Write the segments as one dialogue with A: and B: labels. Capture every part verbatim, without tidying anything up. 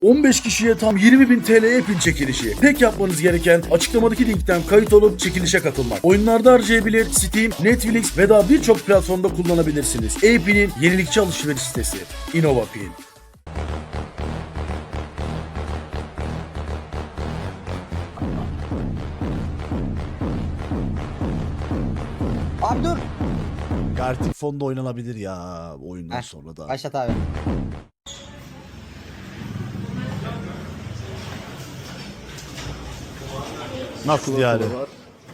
A: on beş kişiye tam yirmi bin T L e-pin çekilişi. Tek yapmanız gereken açıklamadaki linkten kayıt olup çekilişe katılmak. Oyunlarda harcayabilir, Steam, Netflix ve daha birçok platformda kullanabilirsiniz. E-pin'in yenilikçi alışveriş sitesi InnovaPin.
B: Abi dur.
C: Gartic fonda oynanabilir ya oyundan
B: Heh,
C: sonra da.
B: Başlat abi.
C: Nasıl yani?
D: Var.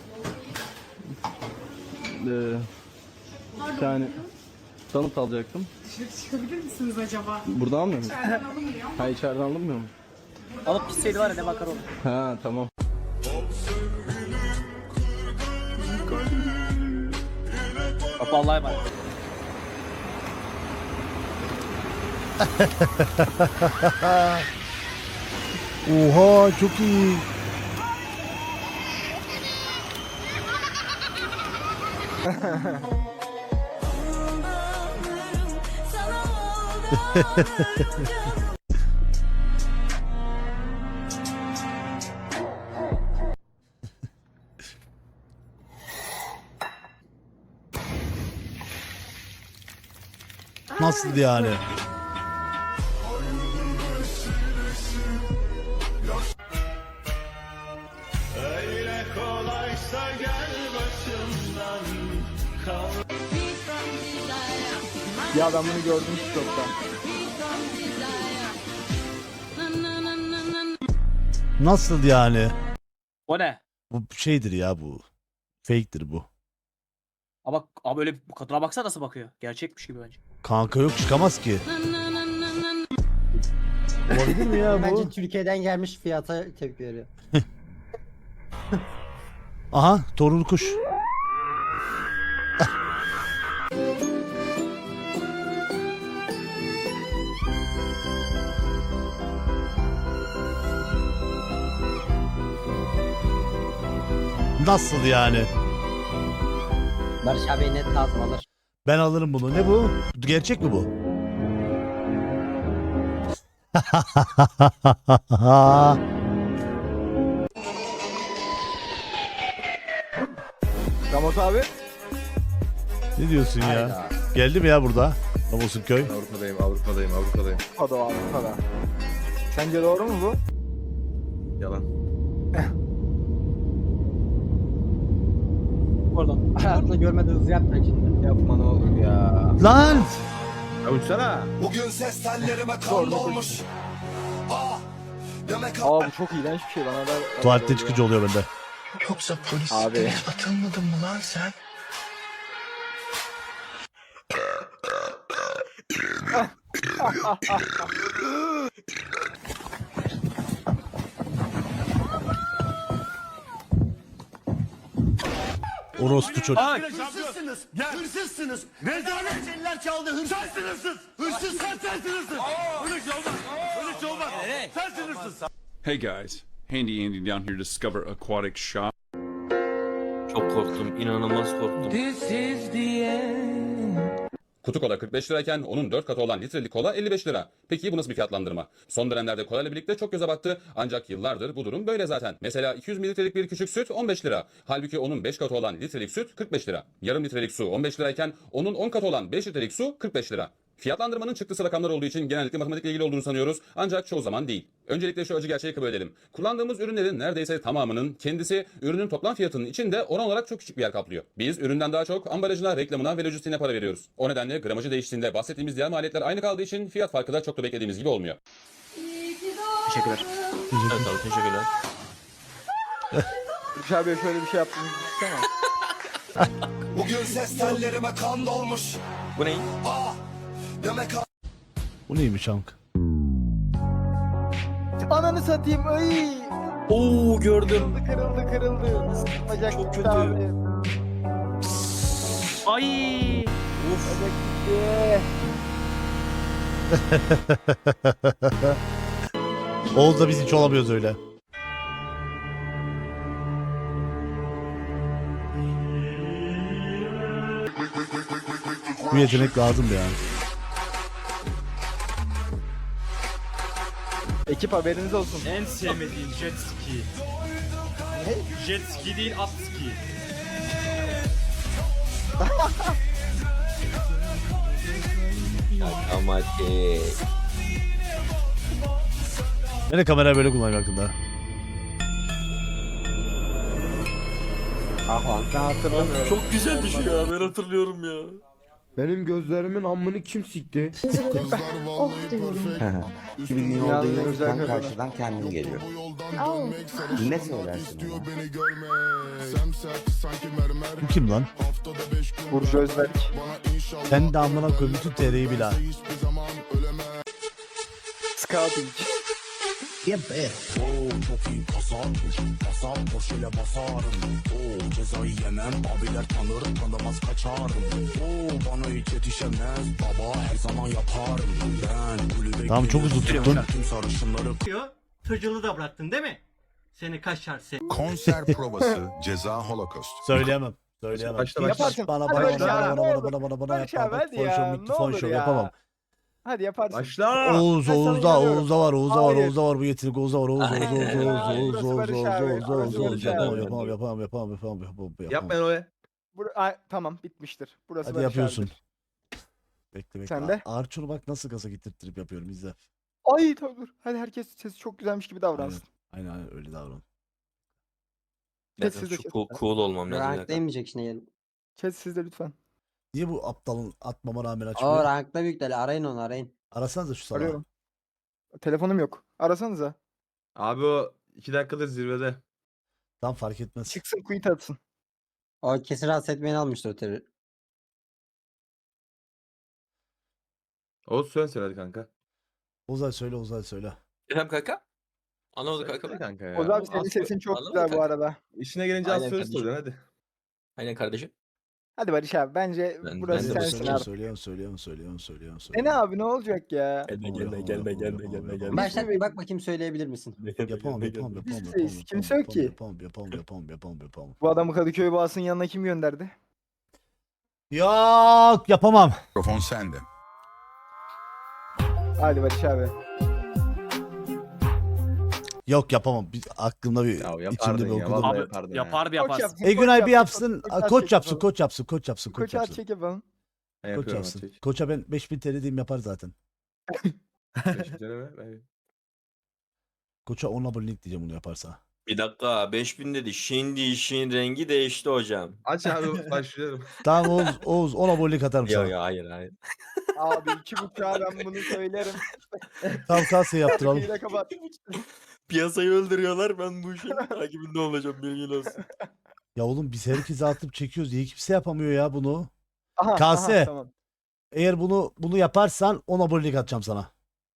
D: Ee, bir tane tanıt alacaktım.
E: Dışarı çıkabilir misiniz acaba?
D: Burada almıyor mu?
E: İçeriden alınmıyor.
D: Ha içeriden alınmıyor mu?
F: Alıp gitseydi var ya ne bakar olur.
D: Ha tamam.
F: Bak vallahi bak.
C: Oha çok iyi. Nasıl yani?
D: Ya ben bunu gördüm TikTok'ta.
C: Nasıl yani?
F: O ne?
C: Bu şeydir ya bu. Fake'tir bu.
F: Ama abi öyle bu kadına baksana nasıl bakıyor. Gerçekmiş gibi bence.
C: Kanka yok çıkamaz ki. Olabilir mi ya bu?
B: Bence Türkiye'den gelmiş fiyata tepki veriyor.
C: Aha torun kuş. Nasıl yani?
B: Barış abi net lazım alır.
C: Ben alırım bunu. Ne bu? Gerçek mi bu?
D: Ramot abi.
C: Ne diyorsun ya?
B: Hayda.
C: Geldi mi ya burada? Ramos'un köy.
G: Avrupa'dayım, Avrupa'dayım, Avrupa'dayım.
D: O da o Avrupa'da. Sence doğru mu bu?
G: Yalan.
F: Oradan.
B: Hayatında görmediği hızı yapacak şimdi.
D: Yapma ne olur ya.
C: Lan!
G: Ya uçsana.
H: Bugün ses tellerime kan dolmuş. Ah, demek
D: Aa bu çok iğrenç bir şey bana da.
C: Tuvalette çıkıcı oluyor bende.
H: yoksa polis
D: Abi.
H: atılmadın mı lan sen?
C: Orospu çocuk.
H: Hırsızsınız, hırsızsınız. Rezalet eller çaldı, hırsızsınız. Hırsız sen sensin hırsız. Öyle şey olmaz, öyle şey olmaz. Sensin hırsız.
I: Hey guys, Handy Andy down here to discover aquatic shop.
J: Çok korktum, inanılmaz korktum.
I: Kutu kola kırk beş lirayken onun dört katı olan litrelik kola elli beş lira. Peki bu nasıl bir fiyatlandırma? Son dönemlerde kola ile birlikte çok göze battı ancak yıllardır bu durum böyle zaten. Mesela iki yüz mililitrelik bir küçük süt on beş lira. Halbuki onun beş katı olan litrelik süt kırk beş lira. Yarım litrelik su on beş lirayken onun on katı olan beş litrelik su kırk beş lira. Fiyatlandırmanın çıktısı rakamlar olduğu için genellikle matematikle ilgili olduğunu sanıyoruz ancak çoğu zaman değil. Öncelikle şu acı gerçeği kabul edelim. Kullandığımız ürünlerin neredeyse tamamının kendisi ürünün toplam fiyatının içinde oran olarak çok küçük bir yer kaplıyor. Biz üründen daha çok ambalajına, reklamına ve lojistiğine para veriyoruz. O nedenle gramajı değiştiğinde bahsettiğimiz diğer maliyetler aynı kaldığı için fiyat farkı da çok da beklediğimiz gibi olmuyor.
F: Teşekkürler.
J: Evet abi teşekkürler.
D: Barış abi şöyle bir şey yaptığını düşünsene.
H: Bugün ses tellerime kan dolmuş.
J: Bu ne?
H: Ah, demek
C: Bu neymiş Hank?
D: Ananı satayım ay.
F: Oo gördüm.
D: Kırıldı kırıldı. Bacak
F: Çok
D: gitti
F: kötü.
D: abi.
F: Ay. Uf.
D: Bacak gitti.
C: Oğuz'da biz hiç olamıyoruz öyle. Bu yetenek lazım yani.
D: Ekip haberiniz olsun.
H: En sevmediğim jet ski. Jet ski değil at ski.
J: Ama ki.
C: Ben de kamerayı böyle kullanıyorum hakkında.
B: Ah lan ben hatırlamıyorum.
J: Çok güzel bir şey ya. Ben hatırlıyorum ya.
G: Benim gözlerimin amını kim sikti?
E: Oh diyorum.
D: Kimin olduğu güzel
B: karşıdan kendim geliyor.
E: Au.
B: Ne söylersin ona?
C: Bu kim lan?
D: Burcu Özberk.
C: Sen de amına koyayım bütün T R'yi bil ha.
D: Scouting.
C: Tamam çok hızlı tuttun.
H: Tırcılığı da bıraktın değil mi? Seni kaşar seni.
K: Konser provası Ceza Holocaust.
C: Söyleyemem. Söyleyemem.
G: Başla, başla.
D: Yaparsın.
C: Bana
D: Hadi
C: bana
D: Barış
C: bana
D: abi,
C: bana
D: ne
C: bana
D: olur.
C: bana bana bana
D: Barış abi
C: yapamam.
D: hadi
C: Fon
D: ya,
C: show bitti
D: ne
C: fon
D: olur
C: show
D: ya.
C: yapamam.
D: Hadi yaparsın.
G: Başla.
C: Oğuz
D: Ben sana
C: Oğuz'da
D: inanıyorum.
C: Oğuz'da var Oğuz'da var
D: Hayır.
C: Oğuz'da var bu yetenek Oğuz'da var Oğuz Oğuz Oğuz
J: Aynen.
C: Oğuz
D: Hayır,
C: Oğuz
D: burası
C: Oğuz
D: Barış
C: Oğuz
D: abi,
C: Oğuz
D: burası
C: Oğuz Oğuz
D: Barış
C: yapamam
D: abi.
C: yapamam yapamam yapamam yapamam yapamam yapamam.
G: Yapmayın o ya.
D: Bur Ay, tamam bitmiştir. Burası
C: Hadi
D: Barış
C: yapıyorsun.
D: abidir.
C: Bekle bekle.
D: Sen de?
C: Arçur'u bak nasıl gaza getirttirip yapıyorum izle.
D: Ay tamam dur. Hadi herkes sesi çok güzelmiş gibi
C: Aynen
D: davransın.
C: aynen, aynen öyle davran.
J: Ya,
D: Siz de
J: şu
D: kes.
J: cool, cool olmam lazım.
B: Rank değmeyecek şimdi gelin.
D: Kes siz de lütfen.
C: Niye bu aptalın atmama rağmen
B: O
C: açmıyor?
B: rankta büyükleri arayın onu arayın.
C: Arasanıza şu salağı.
D: Arıyorum. Telefonum yok. Arasanıza.
G: Abi o iki dakikadır zirvede.
C: Tam fark etmez.
D: Çıksın quit atsın.
B: O kesin rahatsız etmeyeni almıştır o terör.
G: Oğuz söyle hadi kanka.
C: Uzay söyle Uzay söyle.
J: İrem kanka. Anlamadı
G: Söyle
J: kanka.
G: kanka ya.
D: Oz abi senin
J: Az-
D: sesin çok
J: Anladın
D: güzel bu
J: kanka.
D: arada.
G: İşine gelince az
J: Aynen
G: söyle
J: kardeşim.
G: soracaksın hadi.
J: Aynen kardeşim.
D: Hadi Barış abi bence
J: Ben-
D: burası
J: ben de
D: sensin
C: Söylüyorum
D: artık.
C: söylüyorum söylüyorum söylüyorum söylüyorum
D: E
C: söylüyorum.
D: ne abi ne olacak ya?
J: Gelme
C: Yapamam,
J: gelme
C: yapamam,
J: gelme
C: yapamam,
J: gelme
C: yapamam,
J: gelme
C: yapamam.
J: gelme.
B: Başlat bir bak bakayım söyleyebilir misin?
C: Yapamam yapamam yapamam
D: Biz
C: yapamam
D: siz, kimse yok ki.
C: yapamam yapamam yapamam yapamam yapamam.
D: Bu adamı Kadıköy Boğazı'nın yanına kim gönderdi?
C: Yok yapamam.
K: Mikrofon sende.
D: Hadi Barış abi.
C: Yok yapamam. Bir, aklımda bir
G: Ya
C: içimde
G: yapardın
C: bir
G: ya.
C: okudum.
G: Vallahi
F: Abi
G: yapardın ya.
F: yapardı
D: Koç
F: yaparsın.
D: yapsın,
C: E
D: koç
C: Günay bir
D: yapsın,
C: yapsın.
D: koç
C: Koç
D: çek
C: yapsın,
D: yapalım.
C: koç yapsın, koç yapsın, koç
D: Koç at
C: yapsın.
D: çek yapalım.
G: Ben
C: Koç
G: yapıyorum
C: yapsın.
G: hadi.
C: Koça ben beş bin T L diyeyim yapar zaten.
G: Beş deneme, ben-
C: Koça on abonelik diyeceğim bunu yaparsa.
J: Bir dakika beş bin dedi. Şimdi işin rengi değişti hocam.
G: Aç abi başlıyorum.
C: Tamam Oğuz, Oğuz on abonelik atarım
J: Yok
C: sana.
J: yok hayır hayır.
D: Abi iki buçuğa ben bunu söylerim.
C: Tam kalsın yaptıralım.
D: Hile kapat.
J: Piyasayı öldürüyorlar ben bu işin takibinde olacağım bilgin olsun.
C: Ya oğlum biz herkese atıp çekiyoruz. Niye kimse yapamıyor ya bunu?
D: Aha,
C: Kase.
D: aha, tamam.
C: Eğer bunu bunu yaparsan on abonelik atacağım sana.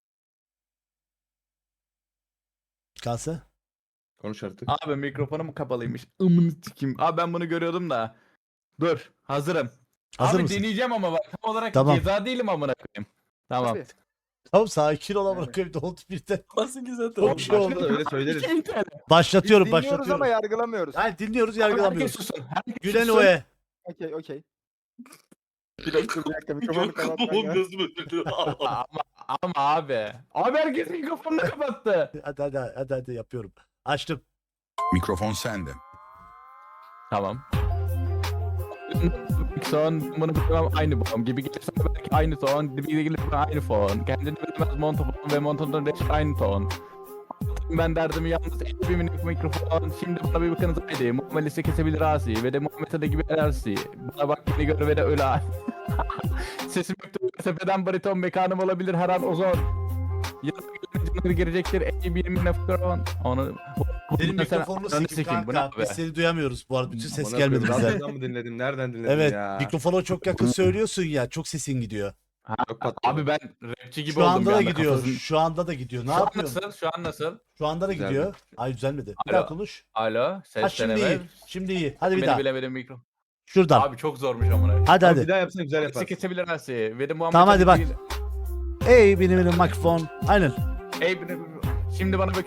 C: Kase.
G: Konuş artık.
D: Abi mikrofonum kapalıymış. Imını sikeyim. Abi ben bunu görüyordum da. Dur hazırım.
C: Hazır
D: abi
C: mısın?
D: deneyeceğim ama bak tam olarak
C: Tamam.
D: ceza değilim amına koyayım. Tamam.
C: Tamam sakin ol amına koyayım. Oldu birden.
J: Nasıl güzel
C: Çok
J: tamam.
C: şey oldu.
G: Başla da öyle söyleriz.
C: Başlatıyorum,
D: Biz dinliyoruz
C: başlatıyorum.
D: ama yargılamıyoruz.
C: Hayır dinliyoruz,
D: Abi herkes
C: yargılamıyoruz.
D: susun. Herkes
C: Gülen
D: susun.
C: oe.
D: Okey okey. Bir dakika bir dakika mikrofonu kapatman ya. ama, ama abi. Abi herkes mikrofonunu kapattı.
C: Hadi hadi hadi hadi yapıyorum. Açtım.
K: Mikrofon sende.
D: Tamam. Son bunu bilemem aynı bom gibi gelirse belki aynı ton gibi gelirse aynı fon. Kendini bilemez montofon ve montonun reşit aynı ton. Ben derdimi yalnız elli minik mikrofon. Şimdi bana bir bakınız haydi. Muamelesi kesebilir asi ve de muamelesi gibi ersi. Bana bak beni gör ve de öyle asi. Sesim yoktu. Sepeden bariton mekanım olabilir her an ozon. Yarın girecektir elli bir mikrofon. Onu
C: Senin
D: Bunu sen-
C: mikrofonunu
D: Ananı
C: sikim
D: sikeyim, bu ne
C: kanka.
D: abi?
C: Biz seni duyamıyoruz bu arada. Bütün ses
G: Amına
C: gelmedi
G: koyayım,
C: bize.
G: radyodan mı dinledin? Nereden dinledin
C: Evet
G: ya?
C: mikrofona çok yakın söylüyorsun ya. Çok sesin gidiyor.
G: Çok patladı.
D: Abi ben rapçi gibi
C: Şu
D: oldum
C: anda
D: bir
C: da
D: anda
C: gidiyor.
D: kafasını-
C: Şu anda da gidiyor. Ne
D: Şu an
C: yapıyorsun?
D: nasıl? Şu an nasıl?
C: Şu anda da
G: Güzeldi.
C: gidiyor. Ay düzelmedi. Bir
D: Alo.
C: daha konuş.
D: Alo, ses
C: Ha şimdi
D: deneme.
C: iyi. Şimdi iyi. Hadi bir
D: Beni
C: daha.
D: bilemedim mikro.
C: Şuradan.
D: Abi çok zormuş amına.
C: Hadi
G: Tamam,
C: hadi.
G: bir daha yapsana güzel
D: Yaparsın.
G: yaparsın.
D: Kesebilir her şeyi. Ve de Muhammed
C: Tamam, hadi bak.
D: değil.
C: Ey benim benim mikrofon. Aynen.
D: Ey benim- şimdi bana bakıyorsunuz haydi.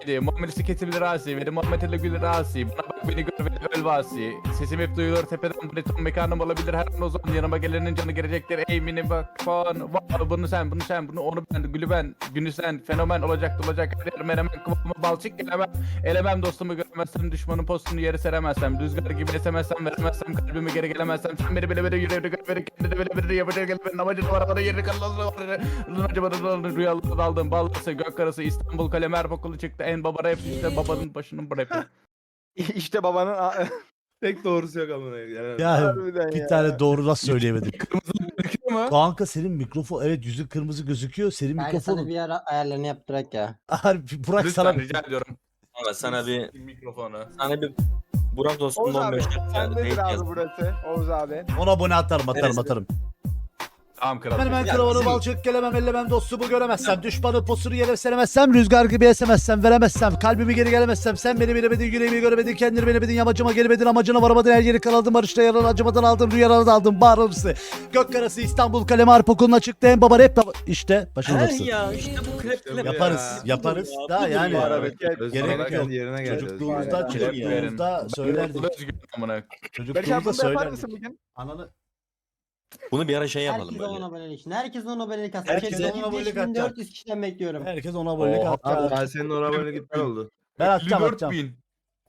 D: Asi, muamelesi kesilir Asi, ve Muhammed Ali Gül Asi, bana bak beni gör ve öl Vasi. Sesim hep duyulur tepeden, bu ne ton mekanım olabilir her an o zaman, yanıma gelenin canı gelecektir, ey mini bak falan. Wow, bunu sen, bunu sen, bunu onu ben, gülü ben, günü sen, fenomen olacak olacak, her yer menemen, kıvamı balçık gelemem. Elemem dostumu görmezsem, düşmanın postunu yere seremezsem, rüzgar gibi esemezsem, veremezsem, kalbimi geri gelemezsem, sen beni bile bile yüreğini gör, beni kendini bile bile yapacak, gel benim amacım var, bana yerini kalırsa acaba rüyalarda daldım, ballası, gök karası, İstanbul, kalem, Erpokulu çıktı, en baba rap, işte babanın başının rapi.
J: işte babanın a-
G: Tek doğrusu yok amına. Yani.
C: Ya
J: harbiden
C: bir
J: ya.
C: tane doğru nasıl söyleyemedim.
D: Gözüküyor mu?
C: Kanka senin mikrofon evet yüzü kırmızı gözüküyor. Senin
B: Kanka sana
C: mikrofon
B: bir ara ayarlarını yaptırak ya.
C: Harbi Burak
D: Lütfen
C: sana
D: rica ediyorum.
J: Ama sana bir
D: Mikrofonu.
J: sana bir Burak dostum
L: Oğuz abi,
J: on beş dakika
L: sendedir
J: date
L: abi
J: yaz.
L: burası. Oğuz abi.
C: ona abone atarım atarım
J: Neresi?
C: atarım.
D: Tamam kral.
C: Ben ben
J: Ya
C: kravanı
J: bizim-
C: balçık gelemem ellemem dostumu göremezsem, düşmanı posunu yere seremezsem, rüzgar gibi esemezsem, veremezsem, kalbimi geri gelemezsem, sen beni bilemedin, yüreğimi göremedin, kendini bilemedin, yamacıma gelemedin, amacına varamadın, her yeri karaladın, barışta yaralı, acımadan aldın, rüyalara daldın, bağrımsı. Gök karası, İstanbul, kalem, harp okuluna çıktı, en baba rap baba. İşte başarılırsın.
J: ya işte bu krep krep.
C: Yaparız, yaparız.
J: Ya,
C: Daha
J: budur
C: yani.
J: ya.
G: Öz
C: Gerek
G: olarak
C: yok.
G: yerine geldi.
C: Çocukluğumuzda,
L: Öz-
C: çocukluğumuzda söylerdik.
D: Özgür amına.
L: Berk abi
C: Çocukluğumuzda
L: bunu da yapar
C: söylerdik.
L: mısın bugün?
C: Ananı
J: Bunu bir ara şey yapalım
B: Herkes
J: böyle.
B: on abonelik için. Herkes on abonelik atsın.
C: Herkes
B: Herkes
C: on abonelik
B: beş bin dört yüz kişiden bekliyorum.
C: herkes ona abonelik
D: Oha,
C: atacak.
G: Ben senin oraya böyle gitmen oldu.
C: Ben atacağım
D: elli dört
C: atacağım.
D: bin.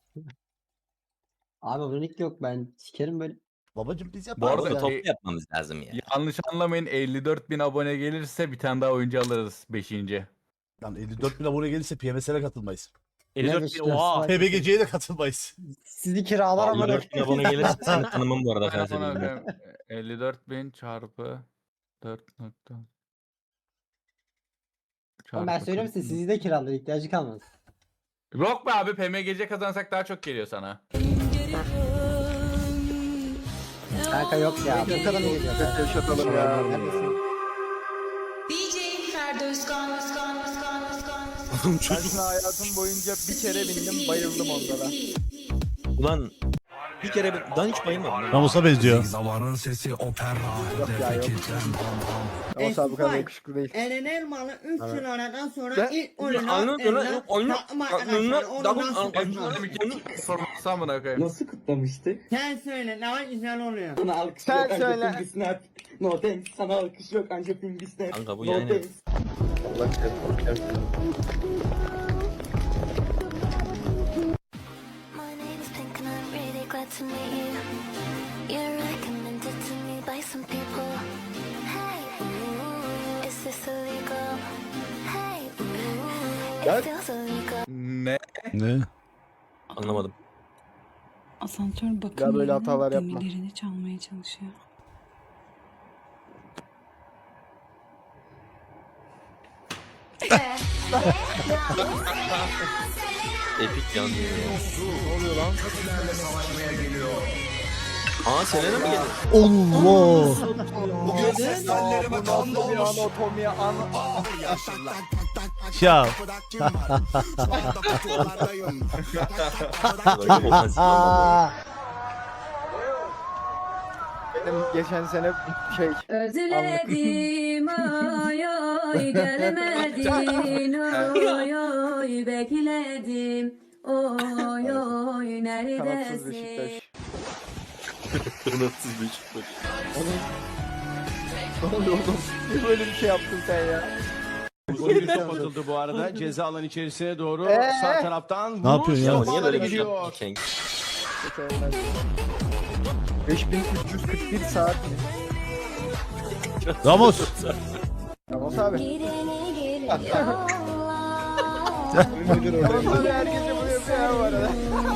B: Abi abonelik yok, ben sikerim böyle.
C: Babacım biz
D: Bu
C: yaparız.
D: arada
J: Arada
C: ya.
J: toplu yapmamız lazım ya.
D: Yanlış anlamayın, elli dört bin abone gelirse bir tane daha oyuncu alırız beşinci.
C: Lan elli dört bin abone gelirse P M S'e katılmayız.
B: elli dört bin, oha.
C: P B G C'ye de katılmayız.
B: Sizi kiralar ama.
J: Allah bin abone gelirse seni tanımam bu arada.
D: Amına
J: Kanka.
D: koyayım, elli dört bin çarpı dört nokta.
B: Oğlum ben söylüyorum size, sizi de kiralar, ihtiyacı kalmaz.
D: Yok be abi, P M G C kazansak daha çok geliyor sana.
B: Kanka yok ya. Bu kadar mı geliyor?
L: Yaşatalım ya.
B: Neredesin?
L: Ben şuna hayatım boyunca bir kere bindim, bayıldım onda da.
J: Ulan bir kere ben ben hiç bayılmadım. ya.
C: Ramus'a benziyor.
H: Zavarın sesi opera.
L: Yok ya yok. Ama tabi bu kadar yakışıklı değil.
E: Eren Elmalı üç yıl aradan sonra
L: Ben-
E: ilk oyunu
J: Anladın mı?
E: eline
J: Oyunu-
E: takım
J: oyunu-
E: arkadaşlar onu
J: double-
E: nasıl
J: oyunu-
E: kutlar?
D: Sorması amına koyayım.
H: Nasıl kutlamıştı?
E: Sen söyle ne güzel oluyor.
H: Sana alkış
L: Sen
H: yok anca
L: söyle.
H: Pingi Snap. No thanks. Sana alkış yok anca Pingi Snap.
J: Kanka bu
H: No
J: yani.
H: thanks.
G: Allah kahretsin.
M: My name is Pink and I'm really glad to meet you. You're recommended to me by some people. Hey, ooh, is this illegal? Hey, ooh, it feels illegal.
D: Ne?
C: Ne?
J: Anlamadım.
E: Asansör
L: Ya böyle hatalar yapma.
E: demirlerini çalmaya çalışıyor.
J: Epik yan. Ne oluyor lan? Aa Selena mı geldi?
C: Allah.
L: Bugün seslerime kanlı bir anatomi an...
C: Ya.
J: Böyle ofansif olmadı.
L: Benim geçen sene şey...
E: Özledim ay ay gelmedin oy oy bekledim oy oy
L: Kanatsız
E: neredesin?
L: Beşiktaş.
J: Kanatsız Beşiktaş.
L: Ne oluyor oğlum? Niye böyle bir şey yaptın sen ya?
H: Golü kapatıldı bu arada. Ceza alan içerisine doğru
L: Ee?
H: sağ taraftan
C: Ne yapıyorsun ya?
J: Ya niye böyle bir şey
H: gidiyor.
J: yaptın Cenk?
L: beş bin üç yüz kırk bir saat.
C: Ramos.
L: Ramos abi.
M: Girene geliyor.
L: Ramos abi her gece bunu yapıyor ya bu arada.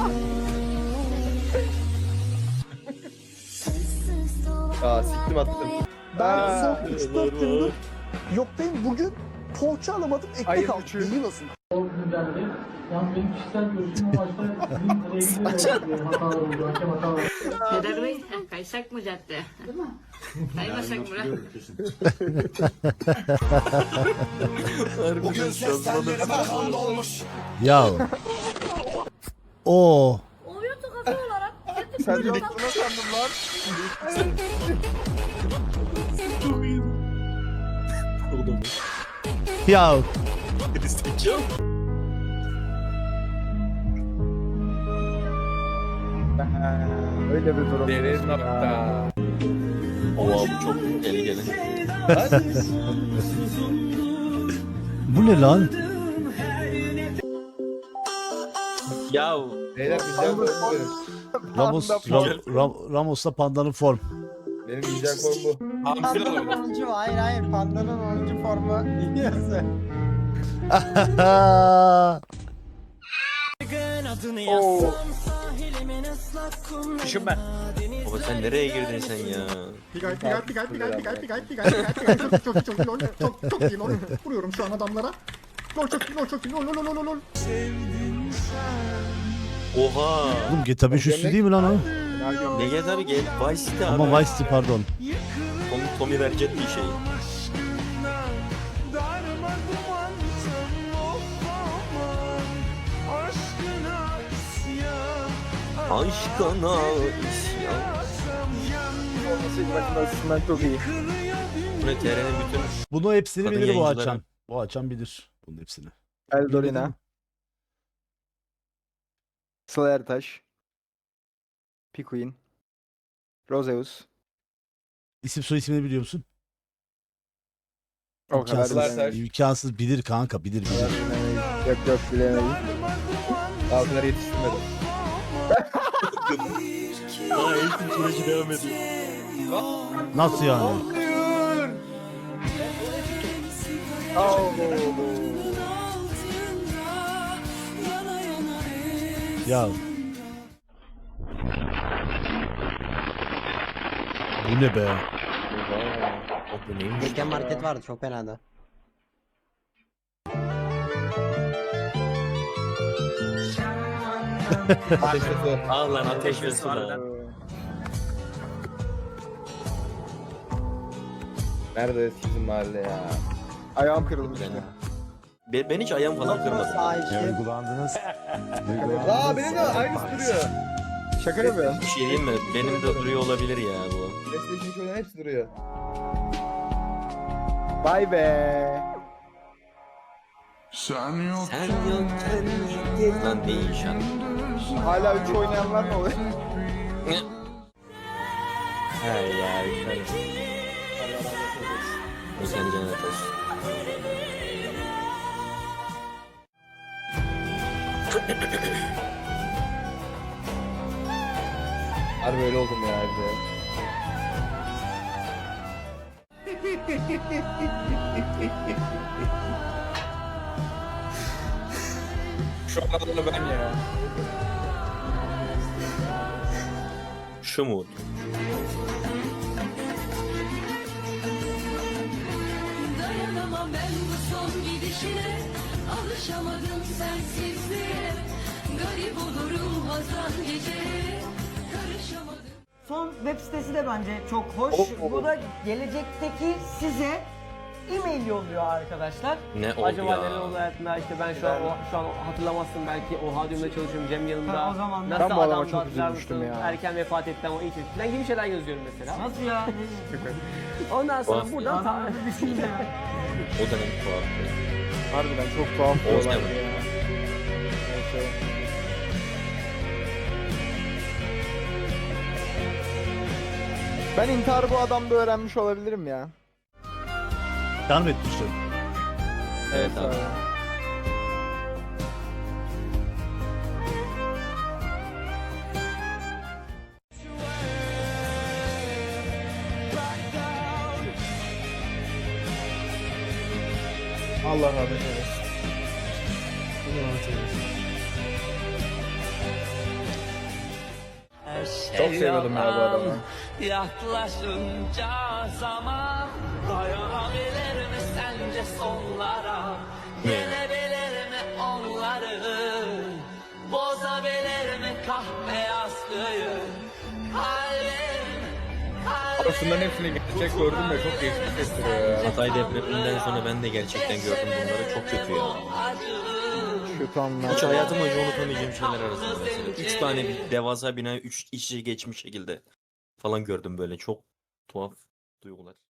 G: Aa siktim attım.
L: Ben
H: son üç dört gündür yoktayım. Bugün poğaça alamadım. Ekmek
L: Ayın
H: aldım.
L: üçü.
H: İyi nasıl?
E: Peder Bey, kaysak mı cadde? Değil mi? Kaymasak mı?
H: Bugün seslendirime kanlı olmuş.
C: Ya. O.
E: Oyun kafı olarak
L: Sen de bunu sandım lan.
C: Ya.
L: Öyle bir durum.
D: Derin nokta.
J: Oha bu çok tehlikeli.
C: Bu ne lan?
J: Ya
G: Beyler güzel form bu benim.
C: Ramos, Ram- Ram- Ramos'la Panda'nın form.
G: Benim güzel form bu.
B: Pandanın onuncu mu? Hayır hayır. Pandanın onuncu formu. Dinliyorsun.
F: Düşün ben.
J: baba sen nereye girdin sen ya?
L: Pigay pigay pigay pigay pigay pigay pigay pigay çok çok çok iyi lol çok çok iyi lol vuruyorum şu an adamlara. Lol çok iyi lol çok iyi lol lol lol lol.
J: Oha.
C: Oğlum G T A beş üstü değil mi lan o?
J: Ne gel abi gel Vice City abi.
C: Ama Vice City pardon.
J: Tommy, Tommy verecek bir şey. Aşkına isyan.
L: Aslında çok iyi.
J: Bu ne T R'nin bütün
C: Bunu hepsini
J: Kadın
C: bilir bu
J: yayıncıları.
C: açan. Bu açan bilir bunun hepsini.
L: Eldorina. Sıla Ertaş. Pikuin. Roseus.
C: İsim soy ismini biliyor musun?
L: O kadar
C: İmkansız,
L: bilemeyiz.
C: imkansız bilir kanka bilir bilir.
L: Yok yok bilemeyiz.
G: Altınları yetiştirmedim.
J: Daha eğitim süreci devam ediyor.
C: Nasıl yani? Ya. Bu ne be?
J: Bu neymiş?
B: Geçen market vardı çok fenaydı.
G: Ateş ve su.
J: Al lan ateş ve su
F: Harbiden.
J: lan.
G: Nerede sizin mahalle ya?
L: Ayağım kırılmıştı.
J: Ben, ben hiç ayağım falan kırmadım.
B: Sağ içki.
G: Aa benim de aynısı duruyor.
L: Şaka yapıyor.
J: Bir şey diyeyim mi? Benim de duruyor olabilir ya bu.
G: PlayStation şöyle hepsi duruyor.
L: Vay be.
K: Sen yok.
J: Sen yokken gitti. Lan değişen.
L: Hala üç oynayanlar ne oluyor?
J: He ya. O seni cennet olsun.
G: Harbi öyle oldum ya evde.
D: Şu anda ben ya.
J: Şu mu?
M: Dayanamam ben bu son gidişine. Alışamadım sensizliğe. Garip olurum hazan geceye. Karışamadım.
N: Son web sitesi de bence çok hoş. Bu da gelecekteki size e-mail yolluyor arkadaşlar.
J: Ne oldu
F: Acaba
J: ya?
F: neler oldu hayatında işte ben şu an o, şu an hatırlamazsın belki o Hadyum'da çalışıyorum Cem yanında.
N: Ha, o zaman
F: Nasıl
L: ben bu adama
F: adamdı
L: çok
F: hatırlar
L: üzülmüştüm
F: mısın?
L: ya.
F: Erken vefat etti ama iyi çocuk falan gibi şeyler yazıyorum mesela.
N: Nasıl ya?
F: Ondan sonra
J: Of.
F: buradan ta-
N: Anladın düşünce ya.
J: O da ne tuhaf.
L: Harbiden çok tuhaf bir
J: Oğuz
L: olay
J: Kemal.
L: ya. Neyse. Ben intiharı bu adamda öğrenmiş olabilirim ya.
C: Yardım etmiştim.
J: Evet abi.
L: Allah rahmet eylesin.
G: Çok seviyordum ya bu adamı.
E: Yaklaşınca zaman dayanabilir mi sence sonlara? Yenebilir mi onları? Bozabilir mi kahpeyazlığı? Kalbim, kalbim.
G: Aslında hepsini gerçek gördüm de çok değişik hissettiriyor ya.
J: Hatay depreminden sonra ben de gerçekten gördüm bunları. Çok kötü ya.
L: Kötü anlar.
J: Hiç hayatım boyunca unutamayacağım şeyler arasında mesela. Üç tane bir devasa bina üç iç içe geçmiş şekilde falan gördüm böyle. Çok tuhaf duygular.